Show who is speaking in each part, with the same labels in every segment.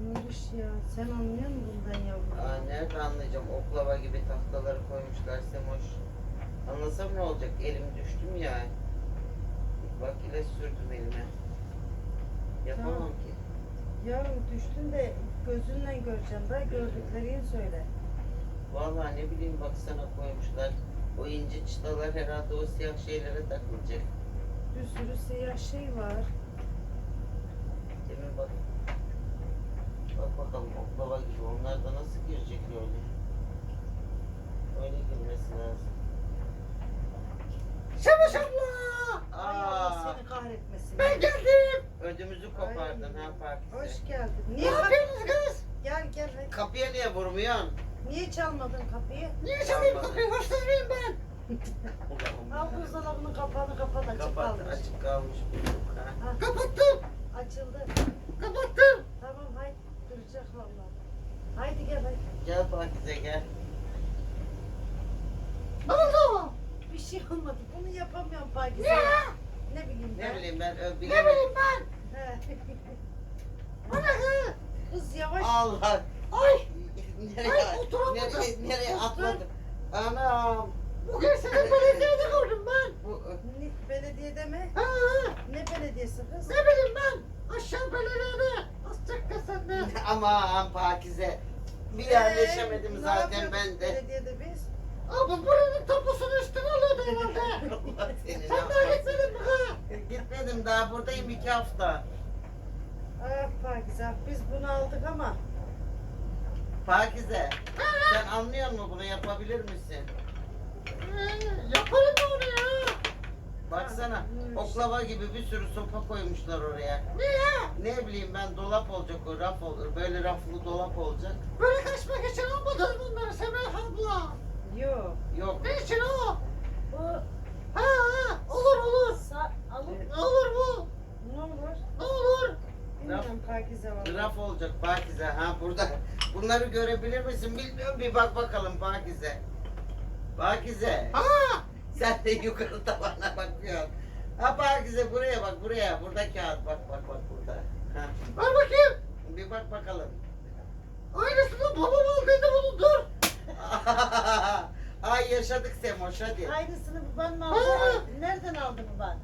Speaker 1: Nuriş ya, sen anlıyor musun bundan yavrum?
Speaker 2: Nerede anlayacağım? Oklava gibi tahtaları koymuşlar Semoş. Anlasam ne olacak? Elim düştüm ya. Bak ilaç sürdüm elime. Yapamam
Speaker 1: Tamam.
Speaker 2: ki.
Speaker 1: Yavrum düştün de gözünle göreceksin da gördüklerini söyle.
Speaker 2: Vallahi ne bileyim baksana koymuşlar. O ince çıtalar herhalde o siyah şeylere takılacak.
Speaker 1: Bir sürü siyah şey var.
Speaker 2: Demin bak. Bak bakalım oklava gibi. Onlar da nasıl girecek öyle? Öyle girmesi lazım.
Speaker 3: Semoş abla!
Speaker 1: Ay Allah seni kahretmesin.
Speaker 3: Ben geldim.
Speaker 2: Ödümüzü kopardın
Speaker 1: Ay.
Speaker 2: ha Pakize.
Speaker 1: Hoş geldin.
Speaker 3: Ne
Speaker 1: Niye
Speaker 3: yapıyorsunuz kız?
Speaker 1: Gel gel hadi.
Speaker 2: Kapıya niye vurmuyorsun?
Speaker 1: Niye çalmadın kapıyı?
Speaker 3: Niye çalayım kapıyı? Hırsız mıyım ben?
Speaker 1: Al buzdolabının kapağını kapat açık
Speaker 2: Kapat,
Speaker 1: kalmış.
Speaker 2: açık kalmış. Ha.
Speaker 1: Ha,
Speaker 3: Kapattım.
Speaker 1: açıldı.
Speaker 3: Kapattım.
Speaker 1: Tamam haydi duracak vallahi. Haydi gel hadi.
Speaker 2: Gel Pakize gel.
Speaker 3: Ne oldu?
Speaker 1: Bir şey olmadı. Bunu yapamıyorum Pakize.
Speaker 3: Niye?
Speaker 1: Ne bileyim ben.
Speaker 2: Ne bileyim ben
Speaker 3: Ne
Speaker 2: bilemedim.
Speaker 3: bileyim ben?
Speaker 1: He.
Speaker 3: Bu ne kız?
Speaker 1: Kız yavaş.
Speaker 2: Allah.
Speaker 3: Ay!
Speaker 2: Nereye,
Speaker 3: Ay, oturamadım.
Speaker 2: nereye
Speaker 1: Otur.
Speaker 2: atladım? Anam.
Speaker 3: Bugün seni belediyede gördüm ben.
Speaker 2: Bu,
Speaker 1: Belediyede mi?
Speaker 3: Ha,
Speaker 1: Ne belediyesi kız?
Speaker 3: ne bileyim ben? Aşağı belediyede. Azıcık da sen de.
Speaker 2: aman Pakize. Bir yerleşemedim
Speaker 1: Ne
Speaker 2: zaten
Speaker 1: yapıyorduk
Speaker 2: ben de.
Speaker 1: Belediyede biz.
Speaker 3: Abi buranın tapusunu üstüne alıyordu herhalde.
Speaker 2: Allah seni
Speaker 3: Sen daha gitmedin mi ha?
Speaker 2: Gitmedim daha buradayım 2 hafta.
Speaker 1: Ah Pakize biz bunu aldık ama.
Speaker 2: Pakize sen anlıyor musun bunu yapabilir misin?
Speaker 3: Yaparım onu ya.
Speaker 2: Baksana oklava gibi bir sürü sopa koymuşlar oraya.
Speaker 3: Niye?
Speaker 2: Ne bileyim ben dolap olacak o raf olur. Böyle raflı dolap olacak.
Speaker 3: Böyle kaçmak için almadın bunları Semih abla.
Speaker 1: Yok.
Speaker 2: Yok.
Speaker 3: Ne için o?
Speaker 1: Bu
Speaker 3: Ha, olur olur.
Speaker 1: alıp
Speaker 3: Ne olur bu?
Speaker 1: ne olur?
Speaker 3: Ne olur?
Speaker 1: Bilmiyorum Pakize var.
Speaker 2: Raf olacak Pakize. Ha burada. Bunları görebilir misin bilmiyorum. Bir bak bakalım Pakize. Pakize.
Speaker 3: Ha,
Speaker 2: Sen de yukarı tavana bakıyorsun. Ha Pakize buraya bak buraya. Burada kağıt bak bak bak burada. Ha.
Speaker 3: ver bakayım.
Speaker 2: Bir bak bakalım.
Speaker 3: Aynısını babam aldıydı bunu dur.
Speaker 2: Ay yaşadık Semoş hadi.
Speaker 1: Aynısını baban mı
Speaker 3: Ha.
Speaker 1: aldı? Nereden aldı baban?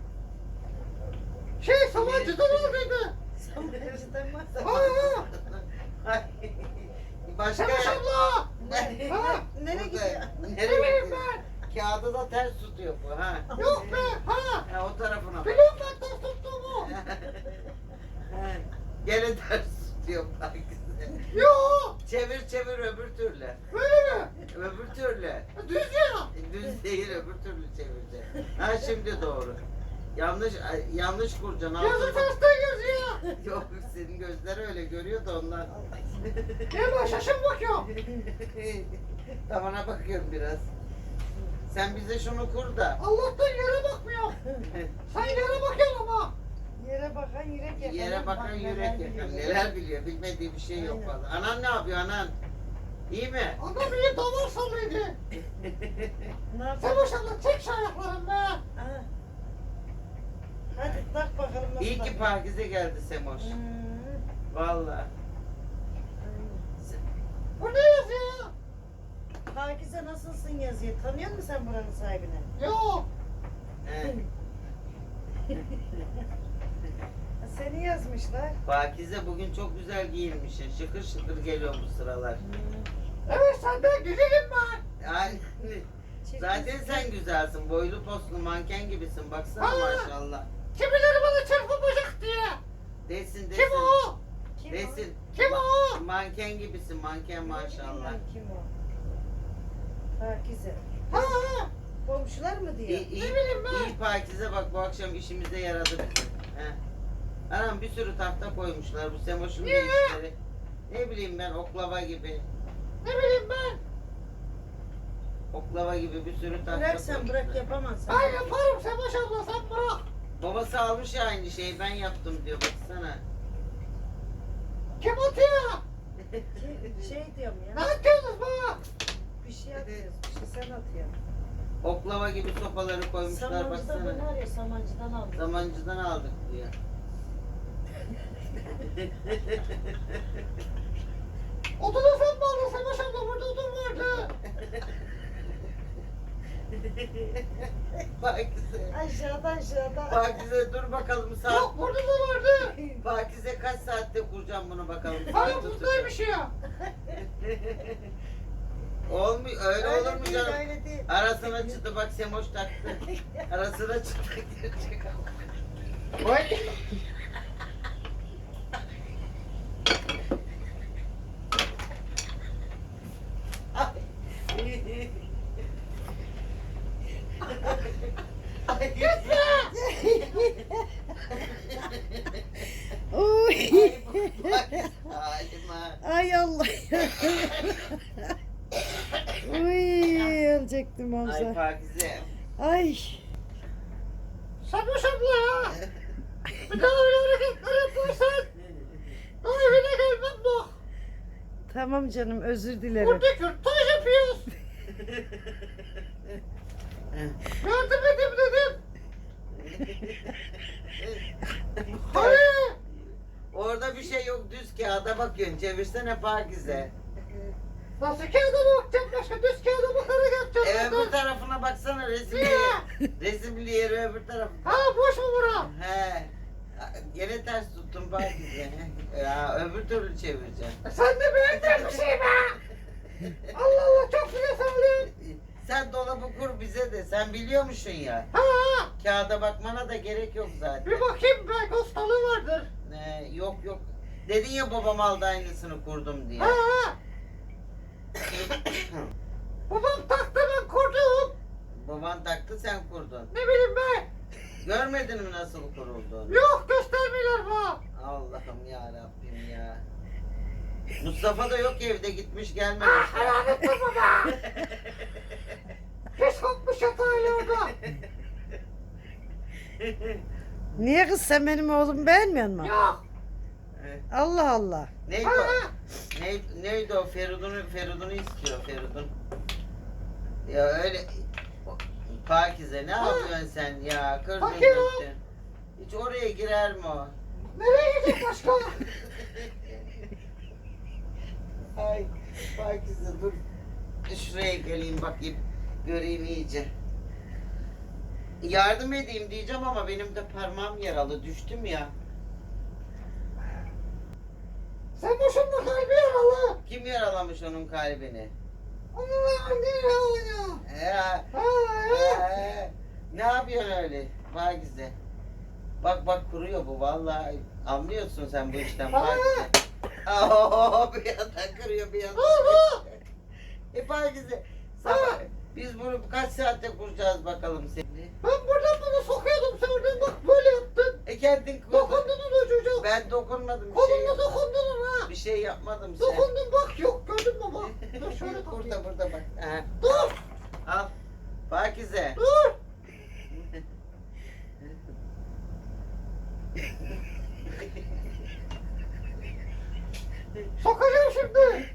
Speaker 3: Savancı'dan aldıydı.
Speaker 1: Samanacıdan mı?
Speaker 3: Ha,
Speaker 2: Ay, Başka
Speaker 3: Semoş abla. Ha,
Speaker 1: Nereye
Speaker 2: Burada-
Speaker 1: gidiyor?
Speaker 2: Nereye
Speaker 3: bileyim
Speaker 2: gidiyor?
Speaker 3: ben.
Speaker 2: Kağıdı da ters tutuyor bu ha.
Speaker 3: Yok be, ha.
Speaker 2: Ha o tarafına bak.
Speaker 3: Biliyorum ben ters tuttuğumu.
Speaker 2: Ha, Gene ters tutuyor Pakize.
Speaker 3: Yok,
Speaker 2: Çevir çevir öbür türlü.
Speaker 3: böyle mi?
Speaker 2: Öbür türlü.
Speaker 3: Düz ya.
Speaker 2: Düz değil öbür türlü çevireceksin. Ha şimdi doğru. Yanlış kuracaksın.
Speaker 3: Yazı
Speaker 2: altına-
Speaker 3: tersten yazıyor.
Speaker 2: Yok senin gözler öyle görüyor da ondan.
Speaker 3: Ne var şaşın bakıyorum.
Speaker 2: Tavana bakıyorum biraz. Sen bize şunu kur da.
Speaker 3: Allah'tan yere bakmıyor. Sen yere bakıyorsun ama.
Speaker 1: Yere bakan yürek yakar.
Speaker 2: Yere bakan
Speaker 1: Bak,
Speaker 2: yürek
Speaker 1: neler
Speaker 2: yakar.
Speaker 1: biliyor.
Speaker 2: Neler biliyor? Bilmediği bir şey yok
Speaker 1: Aynen.
Speaker 2: vallahi. Anan ne yapıyor anan? İyi mi?
Speaker 3: Adam iyi damar sallıydı.
Speaker 1: Ne yapalım?
Speaker 3: Semoş abla çek şu ayaklarını be.
Speaker 1: Ha. Hadi tak bakalım nasıl
Speaker 2: İyi ki
Speaker 1: takıyor.
Speaker 2: Pakize geldi Semoş. Vallahi.
Speaker 3: Bu ne yazıyor?
Speaker 1: Pakize nasılsın yazıyor. Tanıyor musun sen buranın sahibini?
Speaker 3: Yok.
Speaker 2: He.
Speaker 1: Seni yazmışlar.
Speaker 2: Pakize bugün çok güzel giyinmişsin. Şıkır şıkır geliyor bu sıralar.
Speaker 3: Evet senden güzelim ben.
Speaker 2: Yani zaten sen güzelsin. Boylu postlu manken gibisin. Baksana
Speaker 3: Ha.
Speaker 2: maşallah.
Speaker 3: Kimileri bana çırpınacak diye.
Speaker 2: Desin desin.
Speaker 3: Kim o?
Speaker 1: Kim
Speaker 2: Desin.
Speaker 3: Kim o?
Speaker 2: Manken gibisin. Manken
Speaker 1: o?
Speaker 2: maşallah.
Speaker 1: Bilmiyorum Kim o? Pakize.
Speaker 3: Ha, ha.
Speaker 1: Komşular mı diyor?
Speaker 2: İyi, iyi,
Speaker 3: Ne bileyim ben.
Speaker 2: iyi Pakize bak bu akşam işimize yaradı bizim. He. Anam bir sürü tahta koymuşlar bu Semoş'un
Speaker 3: Niye?
Speaker 2: işleri. Ne bileyim ben oklava gibi.
Speaker 3: Ne bileyim ben.
Speaker 2: Oklava gibi bir sürü tahta
Speaker 1: Bırak sen
Speaker 2: koymuşlar.
Speaker 1: bırak yapamazsın.
Speaker 3: Ben yaparım Semoş abla sen bırak.
Speaker 2: Babası almış ya aynı şeyi ben yaptım diyor baksana.
Speaker 3: Kim atıyor?
Speaker 1: Şey diyorum
Speaker 3: Ne
Speaker 1: ya.
Speaker 3: atıyorsunuz bana?
Speaker 1: Bir şey atıyoruz. Bir şey sen atıyorsun.
Speaker 2: Oklava gibi sopaları koymuşlar
Speaker 1: Samancı'da
Speaker 2: baksana.
Speaker 1: bunu var ya Samancı'dan aldım.
Speaker 2: Zamancıdan aldık diyor.
Speaker 3: Odunu sen mi aldın Savaş abla? Burada odun vardı.
Speaker 2: Pakize.
Speaker 1: Aşağıda.
Speaker 2: Pakize dur bakalım saat.
Speaker 3: Yok burada da vardı.
Speaker 2: Pakize kaç saatte kuracağım bunu bakalım.
Speaker 3: Hani
Speaker 2: Saat
Speaker 3: buradaymış ya.
Speaker 2: Olmuyor öyle olur mu
Speaker 1: değil,
Speaker 2: canım?
Speaker 1: öyle değil.
Speaker 2: Arasına çıktı bak Semoş taktı. Arasına çıktı girecek.
Speaker 3: Vay.
Speaker 1: Oy.
Speaker 2: Halima.
Speaker 1: Ay Allah ya. Uy, ölecektim
Speaker 2: Ay
Speaker 1: Hamza.
Speaker 2: Pakize.
Speaker 1: Ay.
Speaker 3: Savaş abla ya. Bir daha öyle hareketler yaparsan daha evine gelmem bak.
Speaker 1: Tamam canım, özür dilerim.
Speaker 3: Burada kürtaj yapıyoruz. Yardım edin dedim. Hayır.
Speaker 2: Orada bir şey yok düz kağıda bakıyorsun. Çevirsene Pakize.
Speaker 3: Nasıl kağıda bakacağım başka düz kağıda bakarak yapacağım.
Speaker 2: Öbür tarafına baksana resimli.
Speaker 3: Niye?
Speaker 2: Resimli yeri öbür tarafına.
Speaker 3: Ha boş mu bura?
Speaker 2: He. Gene ters tuttum Pakize. Ya öbür türlü çevireceğim.
Speaker 3: Sen de beğendin bir şey be. Allah Allah çok güzel sağlıyorsun.
Speaker 2: Sen dolabı kur bize de. Sen biliyormuşsun ya.
Speaker 3: Ha ha.
Speaker 2: Kağıda bakmana da gerek yok zaten.
Speaker 3: Bir bakayım belki hastalığı vardır.
Speaker 2: Yok yok. Dedin ya babam aldı aynısını kurdum diye.
Speaker 3: Ha ha. Babam taktı ben kurdum.
Speaker 2: Baban taktı sen kurdun.
Speaker 3: Ne bileyim ben.
Speaker 2: Görmedin mi nasıl kurulduğunu?
Speaker 3: Yok göstermiyorlar bana.
Speaker 2: Allah'ım ya Rabbim ya. Mustafa da yok evde gitmiş gelmemiş.
Speaker 3: Ah helal etme baba. Pis kokmuş yatağıyla orada.
Speaker 1: Niye kız, sen benim oğlumu beğenmiyor musun?
Speaker 3: Yok.
Speaker 1: Allah Allah.
Speaker 2: Neydi
Speaker 3: Ha
Speaker 2: o?
Speaker 3: ha.
Speaker 2: Neydi o? Feridun'u istiyor Feridun. Ya öyle Pakize ne yapıyorsun sen ya? Kırdın
Speaker 3: Bakıyorum.
Speaker 2: döktün. Hiç oraya girer mi o?
Speaker 3: Nereye gidecek başka?
Speaker 2: Ay Pakize dur. Şuraya geleyim bakayım. Göreyim iyice. Yardım edeyim diyeceğim ama benim de parmağım yaralı. Düştüm ya.
Speaker 3: Sen boşunda kalbi yaralı.
Speaker 2: Kim yaralamış onun kalbini?
Speaker 3: Onunla anne yaralı.
Speaker 2: Ya.
Speaker 3: Ha ha.
Speaker 2: Ne yapıyorsun öyle? Pakize. Bak kuruyor bu vallahi. Anlıyorsun sen bu işten Pakize. Bir yandan kırıyor bir yandan.
Speaker 3: Ha.
Speaker 2: Pakize. Sabah, biz bunu kaç saatte kuracağız bakalım seni.
Speaker 3: Ben buradan bunu sokuyordum sen oradan bak böyle yaptın.
Speaker 2: Kendin kurdun.
Speaker 3: Dokundun ona çocuk.
Speaker 2: Ben dokunmadım.
Speaker 3: Kolunla dokundun ona.
Speaker 2: Bir şey yapmadım sen.
Speaker 3: Dokundun bak yok gördün mü bak. Dur şöyle
Speaker 2: Burada
Speaker 3: takayım.
Speaker 2: burada bak. Ha.
Speaker 3: Dur
Speaker 2: Al. Pakize.
Speaker 3: dur. Sokacağım şimdi.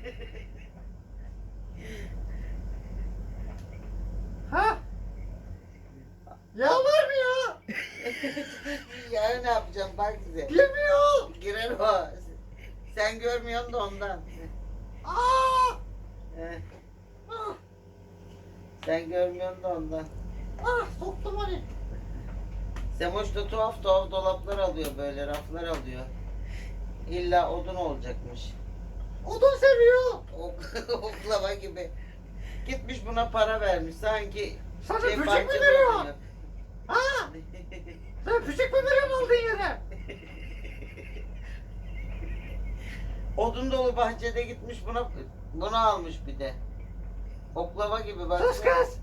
Speaker 3: Ha? Ya var mı ya?
Speaker 2: Yarın ne yapacağım Pakize?
Speaker 3: Girmiyor.
Speaker 2: Girer o. Sen görmüyorsun da ondan.
Speaker 3: Aa!
Speaker 2: Heh,
Speaker 3: Ah,
Speaker 2: sen görmüyorsun da ondan.
Speaker 3: ah soktum hani.
Speaker 2: Semoş da tuhaf tuhaf dolaplar alıyor böyle raflar alıyor. İlla odun olacakmış.
Speaker 3: Odun seviyor.
Speaker 2: Oklava gibi. Gitmiş buna para vermiş sanki
Speaker 3: Sana böcek mi
Speaker 2: bahçede
Speaker 3: veriyor?
Speaker 2: odun yap-
Speaker 3: Ha? Sen küçük mü veriyorsun aldığın yere?
Speaker 2: Odun dolu bahçede gitmiş bunu almış bir de. Oklava gibi bak.
Speaker 3: Sus kız.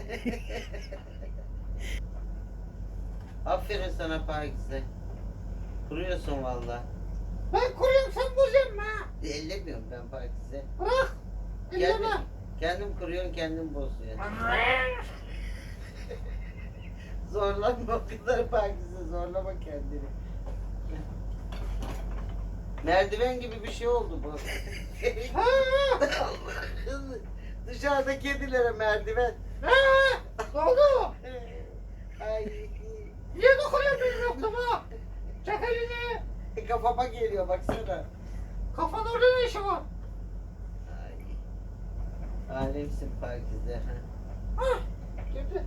Speaker 2: Aferin sana Pakize. Kuruyorsun valla.
Speaker 3: Ben kuruyorum sen bozuyorsun ha.
Speaker 2: Ellemiyorum ben Pakize.
Speaker 3: Bırak.
Speaker 2: Kendim,
Speaker 3: Elleme.
Speaker 2: kendim kuruyorsun kendim bozuyorsun. Zorlama o kadar Pakize zorlama kendini. Merdiven gibi bir şey oldu bu.
Speaker 3: Ha?
Speaker 2: Allah'ım. Dışarıda kedilere merdiven.
Speaker 3: Ha? Ne oldu?
Speaker 2: Ay.
Speaker 3: Niye dokunuyorsun benim yokluğuma? Çek elini.
Speaker 2: Kafama geliyor baksana.
Speaker 3: Kafan orada ne işi var?
Speaker 2: Ay. Alemsin Pakize.
Speaker 3: Hah. Girdi.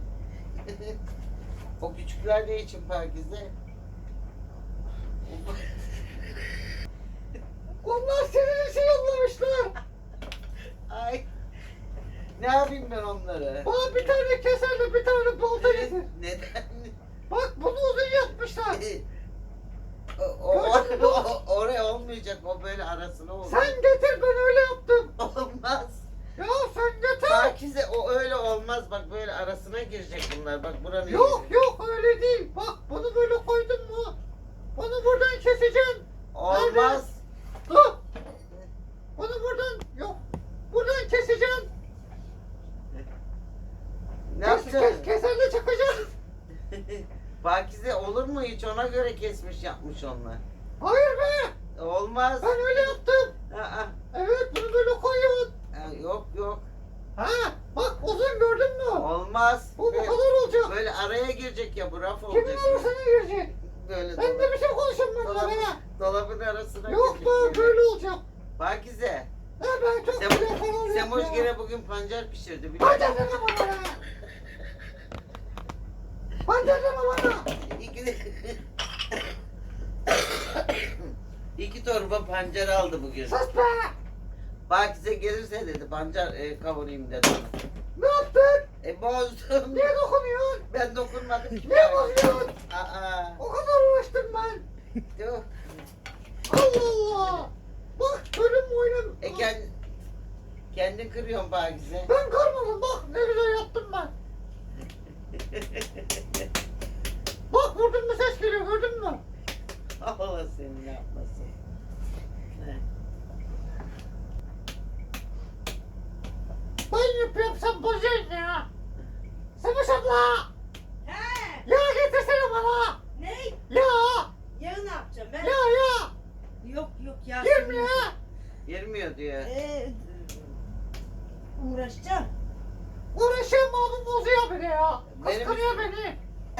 Speaker 2: O küçükler ne için Pakize?
Speaker 3: Onlar senin için yollamışlar.
Speaker 2: Ay. Ne yapayım ben onları?
Speaker 3: Bana bir tane keserle bir tane balta getir.
Speaker 2: Neden?
Speaker 3: Bak bunu uzun yapmışlar.
Speaker 2: Oraya olmayacak, o böyle arasına olur.
Speaker 3: Sen getir, ben öyle yaptım.
Speaker 2: Olmaz.
Speaker 3: Ya sen getir.
Speaker 2: Pakize, o öyle olmaz, bak böyle arasına girecek bunlar, bak buranın.
Speaker 3: Yok yok öyle değil. Bak bunu böyle koydun mu? Bunu buradan keseceksin.
Speaker 2: Olmaz.
Speaker 3: Dur. Bunu buradan yok. Buradan keseceksin.
Speaker 2: Ne yapacaksın?
Speaker 3: Keserle çakacaksın.
Speaker 2: Pakize olur mu hiç, ona göre kesmiş yapmış onlar.
Speaker 3: Hayır be.
Speaker 2: Olmaz.
Speaker 3: Ben öyle yaptım.
Speaker 2: Aa,
Speaker 3: Evet bunu böyle koyuyorsun.
Speaker 2: yok yok.
Speaker 3: Ha bak uzun gördün mü?
Speaker 2: Olmaz.
Speaker 3: Bu kadar olacak.
Speaker 2: Böyle araya girecek ya, bu raf
Speaker 3: Kimin
Speaker 2: olacak.
Speaker 3: arasına girecek?
Speaker 2: Böyle
Speaker 3: Sen de bir şey konuşuyorsun benimle
Speaker 2: dolabın,
Speaker 3: bana.
Speaker 2: dolabın arasına
Speaker 3: Yok
Speaker 2: girecek
Speaker 3: be böyle olacak.
Speaker 2: Pakize.
Speaker 3: Ha ben çok güzel karar verdim
Speaker 2: Semoş
Speaker 3: ya.
Speaker 2: gene bugün pancar pişirdi. biliyor
Speaker 3: Pancar
Speaker 2: musun?
Speaker 3: deme bana ya. Pancar deme bana.
Speaker 2: İki torba pancar aldı bugün.
Speaker 3: Sus be.
Speaker 2: Pakize gelirse dedi pancar kavurayım dedi.
Speaker 3: Ne yaptın?
Speaker 2: Bozdum.
Speaker 3: Niye dokunuyorsun?
Speaker 2: Ben dokunmadım ki.
Speaker 3: Niye bozuyorsun?
Speaker 2: Aa.
Speaker 3: O kadar uğraştım ben.
Speaker 2: Yok.
Speaker 3: Allah Allah. Bak bölüm oyunum.
Speaker 2: Kendin kırıyorsun Pakize.
Speaker 3: Ben kırmadım bak ne güzel yaptım ben. Bak vurdun mu ses geliyor gördün mü?
Speaker 2: Allah seni ne yapmasın.
Speaker 3: Ben yapıyorum sen bozuyorsun ya. Semuş abla.
Speaker 1: He.
Speaker 3: Yağ getirsene bana.
Speaker 1: Ne?
Speaker 3: Yağ.
Speaker 1: Yağı ne yapacağım ben?
Speaker 3: Yağ.
Speaker 1: Yok yok ya.
Speaker 3: Girmiyor.
Speaker 2: Girmiyor diyor.
Speaker 1: Uğraşacağım.
Speaker 3: Uğraşıyorum abi bozuyor beni ya.
Speaker 2: Benim-
Speaker 3: Kıskanıyor beni.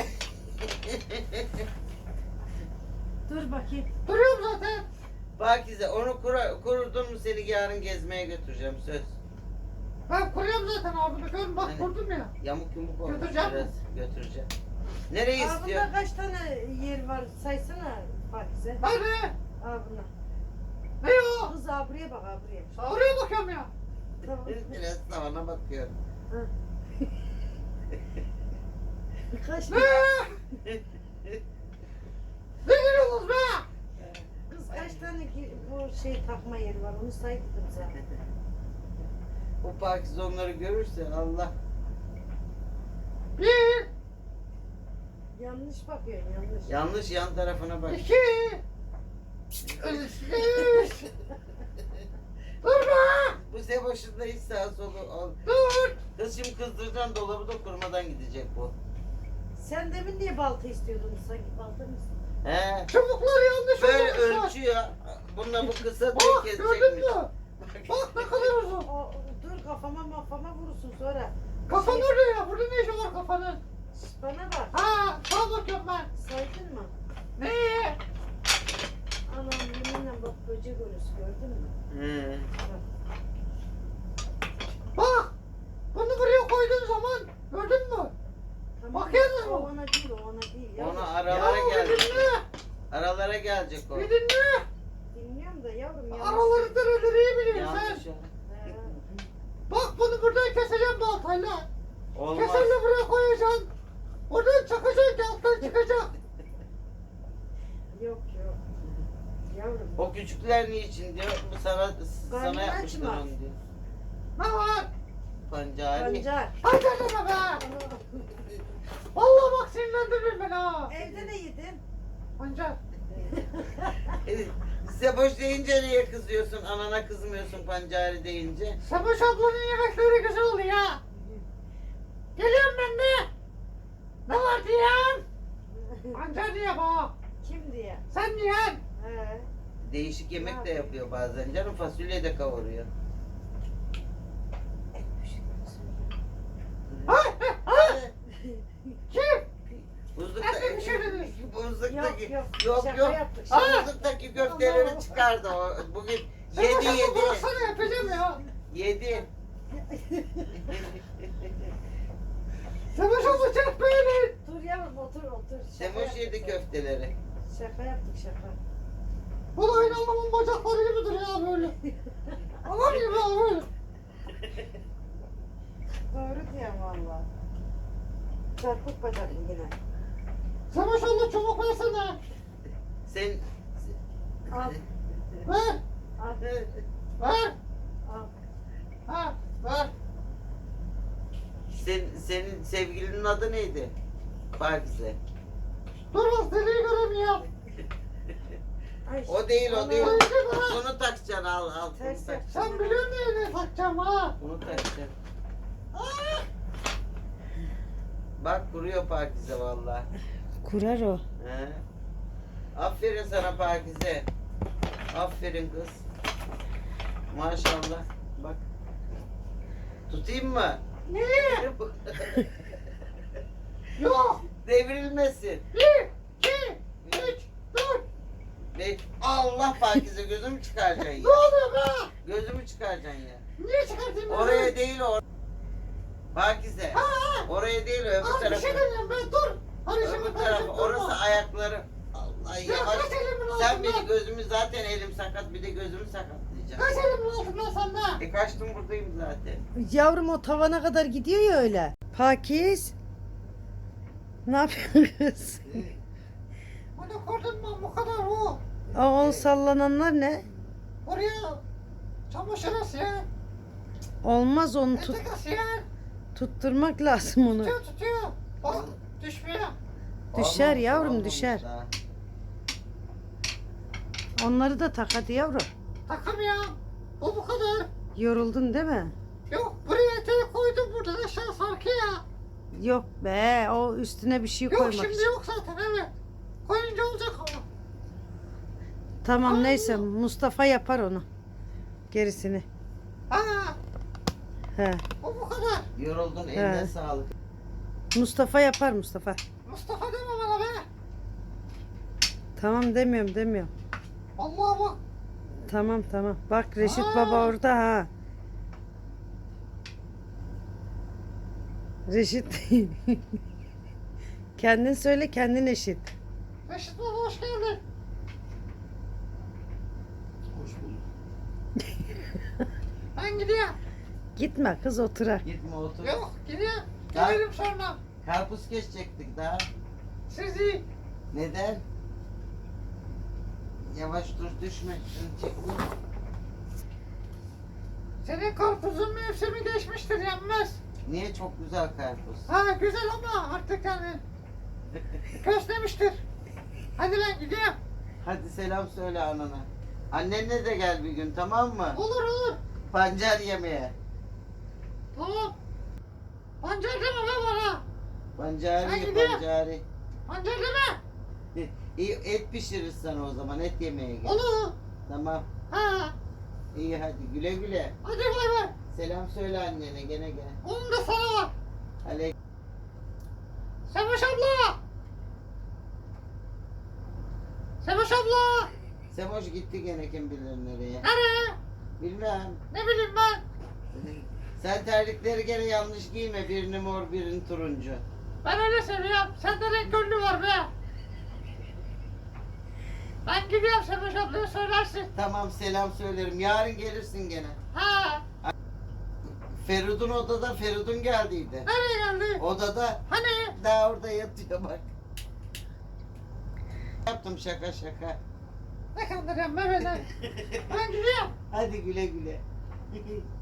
Speaker 1: Dur bakayım.
Speaker 3: Duruyorum zaten.
Speaker 2: Pakize onu kurudun mu seni yarın gezmeye götüreceğim söz.
Speaker 3: Ben kuruyorum zaten abi. Bakın bak
Speaker 2: Hani-
Speaker 3: kurdum ya.
Speaker 2: Yamuk yumuk olmuş
Speaker 3: Götüreceğim
Speaker 2: biraz. Götüreceğim. Nereye istiyor?
Speaker 1: Bunda kaç tane yer var saysana Pakize.
Speaker 3: Nerede?
Speaker 1: Buna.
Speaker 3: Ne o?
Speaker 1: Kız buraya bak buraya.
Speaker 3: Oraya bakıyorum ya.
Speaker 1: Tamam.
Speaker 2: Biraz tavana bakıyorum.
Speaker 1: Kaç
Speaker 3: Ne? Ne gülüyorsunuz be?
Speaker 1: Kız kaç tane bu şey takma yeri var onu say dedim zaten.
Speaker 2: O Pakize onları görürse Allah.
Speaker 3: Bir,
Speaker 1: Yanlış bakıyorsun yanlış.
Speaker 2: Yanlış yan tarafına bak.
Speaker 3: iki, üç. Dur be.
Speaker 2: Bu Seboş'un da hiç sağa solu.
Speaker 3: Dur.
Speaker 2: Kız şimdi kızdıracaksın, dolabı da kurmadan gidecek bu.
Speaker 1: Sen demin niye balta istiyordun sanki balta mısın?
Speaker 2: He.
Speaker 3: Çubuklar yanlış
Speaker 2: Böyle
Speaker 3: olmuşlar.
Speaker 2: ölçüyor. Bununla bu kısa
Speaker 3: Bak
Speaker 2: diye
Speaker 3: gördün
Speaker 2: kesecekmiş.
Speaker 3: mü? Bak ne kadar uzun.
Speaker 1: Dur kafama vurursun sonra.
Speaker 3: Kafan
Speaker 1: Şey,
Speaker 3: orada ya. Burada ne işi var kafanın?
Speaker 1: Bana bak.
Speaker 3: Ha, sağa bakıyorum ben.
Speaker 1: Saydın mı?
Speaker 3: Ne?
Speaker 1: Anam yeminle bak böcek ölüsü gördün mü?
Speaker 2: He.
Speaker 1: Bak.
Speaker 3: Bak. Bunu buraya koyduğun zaman gördün mü?
Speaker 1: Tamam.
Speaker 3: Bakıyorsunuz mu?
Speaker 1: O ona değil o ona değil. Yavrum.
Speaker 2: Ona aralara
Speaker 3: Ya bir
Speaker 2: gelecek.
Speaker 3: dinle.
Speaker 2: Aralara gelecek o.
Speaker 3: Bir dinle.
Speaker 1: Dinliyorum da yavrum yanlış.
Speaker 3: Araları dereleri iyi biliyorsun sen.
Speaker 2: Yanlış o.
Speaker 1: He.
Speaker 3: Bak bunu buradan keseceğim baltayla.
Speaker 2: Olmaz.
Speaker 3: Keserle buraya koyacaksın. Oradan çakacaksın ki alttan çıkacak.
Speaker 1: Yok yok. Yavrum.
Speaker 2: O küçükler niçin diyor. Bu sana
Speaker 1: Karnını
Speaker 2: yapmışlar
Speaker 1: açma.
Speaker 2: onu diyor.
Speaker 3: Ne var?
Speaker 2: Pancari.
Speaker 1: Pancar.
Speaker 3: Hadi deme be. Vallahi bak sinirlendirdin beni ha.
Speaker 1: Evde de yedin.
Speaker 3: Pancar.
Speaker 2: Seboş deyince niye kızıyorsun? Anana kızmıyorsun pancari deyince.
Speaker 3: Semuş ablanın yemekleri güzel oluyor ya. Geliyorum ben de. Ne var diyen? Pancar diye bak.
Speaker 1: Kim diye?
Speaker 3: Sen diyen.
Speaker 1: He.
Speaker 2: Değişik yemek de yapıyor bazen. Canım fasulye de kavuruyor.
Speaker 3: Ay, ay. Kim?
Speaker 2: Buzlukta,
Speaker 3: Nasıl pişirdiniz?
Speaker 2: buzlukta Şırfık'taki
Speaker 1: Yok,
Speaker 2: yok
Speaker 1: şaka
Speaker 2: yok.
Speaker 1: yaptık,
Speaker 3: şaka.
Speaker 2: Şırfık'taki köfteleri çıkardı o. Bugün yedi
Speaker 3: Sen
Speaker 2: yedi.
Speaker 3: bıraksana yapacağım ya.
Speaker 2: Yedi.
Speaker 3: Savaş olacak böyle.
Speaker 1: Dur yavrum otur. Şaka
Speaker 2: Semoş yedi
Speaker 1: yaptık.
Speaker 2: köfteleri.
Speaker 1: Şaka yaptık şaka.
Speaker 3: Bu da aynı Allah'ın bacakları gibidir ya böyle. Allah gibi ya böyle.
Speaker 1: Doğru diyorum valla. Çarpık bacaklı yine.
Speaker 3: Savaş oldu çubuk versene.
Speaker 2: Sen
Speaker 1: Al.
Speaker 3: Ver.
Speaker 1: Al.
Speaker 3: Ver.
Speaker 1: Al.
Speaker 3: Ha ver.
Speaker 2: senin sevgilinin adı neydi? Pakize.
Speaker 3: Dur bak deliği göremiyorum.
Speaker 1: Ay,
Speaker 2: O değil o
Speaker 1: onu-
Speaker 2: değil.
Speaker 3: Ay, bana.
Speaker 2: Bunu takacaksın al bunu
Speaker 1: Ters
Speaker 2: takacaksın.
Speaker 3: Sen biliyorsun neyine takacağım ha.
Speaker 2: Bunu takacaksın.
Speaker 3: Ah!
Speaker 2: Bak kuruyor Pakize valla.
Speaker 1: Kurar o.
Speaker 2: He. Aferin sana Pakize. Aferin kız. Maşallah. Bak. Tutayım mı?
Speaker 3: Niye? Yok.
Speaker 2: Devrilmesin.
Speaker 3: 1, 2, 3, 4.
Speaker 2: Ve Allah Pakize gözümü çıkaracaksın
Speaker 3: Ne
Speaker 2: ya.
Speaker 3: oluyor be?
Speaker 2: Gözümü çıkaracaksın ya.
Speaker 3: Niye çıkartayım?
Speaker 2: Oraya değil o. Pakize.
Speaker 3: Ha, ha.
Speaker 2: Oraya değil öbür
Speaker 3: Abi bir
Speaker 2: tarafa.
Speaker 3: şey demiyorum ben dur. Hadi şimdi
Speaker 2: Öbür
Speaker 3: ben
Speaker 2: tarafa.
Speaker 3: şimdi
Speaker 2: Orası
Speaker 3: durma.
Speaker 2: ayakları. Allah
Speaker 3: Ya
Speaker 2: yavaş.
Speaker 3: kaç elimin
Speaker 2: Sen
Speaker 3: altında?
Speaker 2: beni gözümü zaten elim sakat bir de gözümü sakatlayacaksın.
Speaker 3: Kaç elimin altında sende?
Speaker 2: Kaçtım buradayım zaten.
Speaker 1: Yavrum o tavana kadar gidiyor ya öyle. Pakiz. Ne yapıyoruz?
Speaker 3: Bunu kurdum ben bu kadar o.
Speaker 1: O sallananlar ne?
Speaker 3: Oraya çamaşır asıyor.
Speaker 1: Olmaz onu
Speaker 3: Etek asıyor.
Speaker 1: tutturmak lazım onu.
Speaker 3: Tutuyor. Bak düşmüyor.
Speaker 1: Düşer
Speaker 2: Olmamış,
Speaker 1: yavrum,
Speaker 2: olmamış
Speaker 1: düşer.
Speaker 2: daha.
Speaker 1: Onları da tak hadi yavrum.
Speaker 3: Takamıyorum. O bu kadar.
Speaker 1: Yoruldun değil mi?
Speaker 3: Yok buraya eteği koydum burada aşağı sarkıyor.
Speaker 1: Yok be o üstüne bir şey
Speaker 3: Yok
Speaker 1: koymak
Speaker 3: şimdi
Speaker 1: için.
Speaker 3: yok zaten evet. Koyunca olacak ama.
Speaker 1: Tamam neyse Mustafa yapar onu. Gerisini.
Speaker 3: Ha,
Speaker 1: He.
Speaker 3: o bu kadar.
Speaker 2: Yoruldun eline
Speaker 1: He.
Speaker 2: sağlık.
Speaker 1: Mustafa yapar Mustafa.
Speaker 3: Mustafa deme bana be.
Speaker 1: Tamam demiyorum.
Speaker 3: Vallahi bak.
Speaker 1: Tamam. Bak Reşit
Speaker 3: Aa.
Speaker 1: Baba orada ha. Reşit. Kendin söyle kendin eşit.
Speaker 3: Reşit baba hoş geldin.
Speaker 2: Hoş bulduk.
Speaker 3: Ben gidiyorum.
Speaker 1: Gitme kız oturar.
Speaker 2: Gitme otur.
Speaker 3: Yok gidiyorum.
Speaker 2: Ya.
Speaker 3: Gelirim sonra.
Speaker 2: Karpuz kesecektik daha.
Speaker 3: Siz iyi.
Speaker 2: Neden? Yavaş dur düşme. Şunu çekme.
Speaker 3: Senin karpuzun mevsimi geçmiştir yenmez.
Speaker 2: Niye çok güzel karpuz?
Speaker 3: Ha güzel ama artık yani köslemiştir. Hadi ben gidiyorum.
Speaker 2: Hadi selam söyle anana. Annenle de gel bir gün tamam mı?
Speaker 3: Olur.
Speaker 2: Pancar yemeye.
Speaker 3: Tamam. Pancar deme be bana. Ben
Speaker 2: Pancari
Speaker 3: gidiyorum.
Speaker 2: pancari.
Speaker 3: Pancar deme.
Speaker 2: İyi et pişirir sana o zaman et yemeye gel.
Speaker 3: Olur.
Speaker 2: Tamam.
Speaker 3: Ha.
Speaker 2: İyi hadi güle güle.
Speaker 3: Hadi bay bay.
Speaker 2: Selam söyle annene gene gel.
Speaker 3: Onun da sana var.
Speaker 2: Aleyküm.
Speaker 3: Sevaş abla. Sevaş abla.
Speaker 2: Semoş gitti gene kim bilir nereye.
Speaker 3: Nereye?
Speaker 2: Bilmem.
Speaker 3: Ne bileyim ben.
Speaker 2: Sen terlikleri gene yanlış giyme. Birini mor birini turuncu.
Speaker 3: Ben öyle seviyorum. Sende renk gönlü var be. Ben gidiyorum Sevaş ablaya söylersin.
Speaker 2: Tamam selam söylerim. Yarın gelirsin gene.
Speaker 3: Ha.
Speaker 2: Feridun odada Feridun geldiydi.
Speaker 3: Nereye geldi?
Speaker 2: Odada
Speaker 3: Hani?
Speaker 2: daha orada yatıyor bak. Yaptım şaka.
Speaker 3: Ne kandırıyorum be beni. Ben gidiyorum.
Speaker 2: Hadi güle güle.